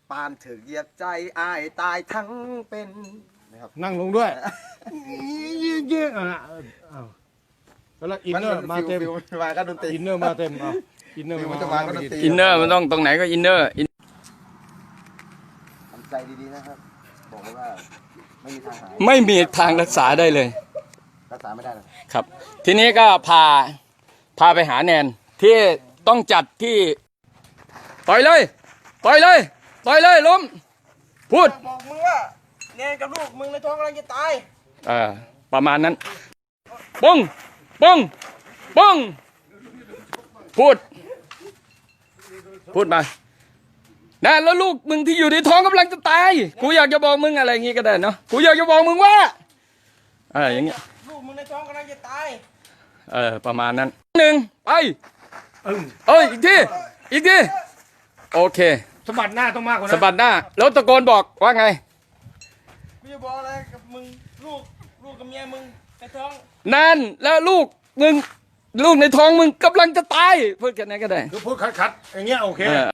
ปานถึกเหยียบใจอายตายทั้งเป็นนะครับนั่งลงด้วยเยี่ยแล้วอินเนอร์มาเต็มมาก็ดนตรีอินเนอร์มาเต็มอินเนอร์มันจะมาก็ดนตรีอินเนอร์มันต้องตรงไหนก็อินเนอร์ทำใจดีๆนะครับบอกเลยว่าไม่มีทางหายไม่มีทางรักษาได้เลยรักษาไม่ได้หรอกครับ ทีนี้ก็พาไปหาแนนที่ต้องจัดที่ต่อยเลยต่อยเลยต่อยเลยล้มพูดบอกมึงว่าแนนกับลูกมึงในท้องกำลังจะตายประมาณนั้นปุ้งปุ้งปุ้งพูดมานะแล้วลูกมึงที่อยู่ในท้องกำลังจะตายกูอยากจะบอกมึงอะไรอย่างงี้ก็ได้เนาะกูอยากจะบอกมึงว่าอย่างเงี้ยลูกมึงในท้องกำลังจะตายประมาณนั้นหนึ่งไปอีกทีโอเคสะบัดหน้าต้องมากกว่านั้นสะบัดหน้าแล้วตะโกนบอกว่าไงกูจะบอกอะไรกับมึงลูกกับเมียมึงในท้องนั่นแล้วลูกในท้องมึงกำลังจะตายพูดแค่นั้นก็ได้คือพูดคัดๆอย่างเงี้ยโอเค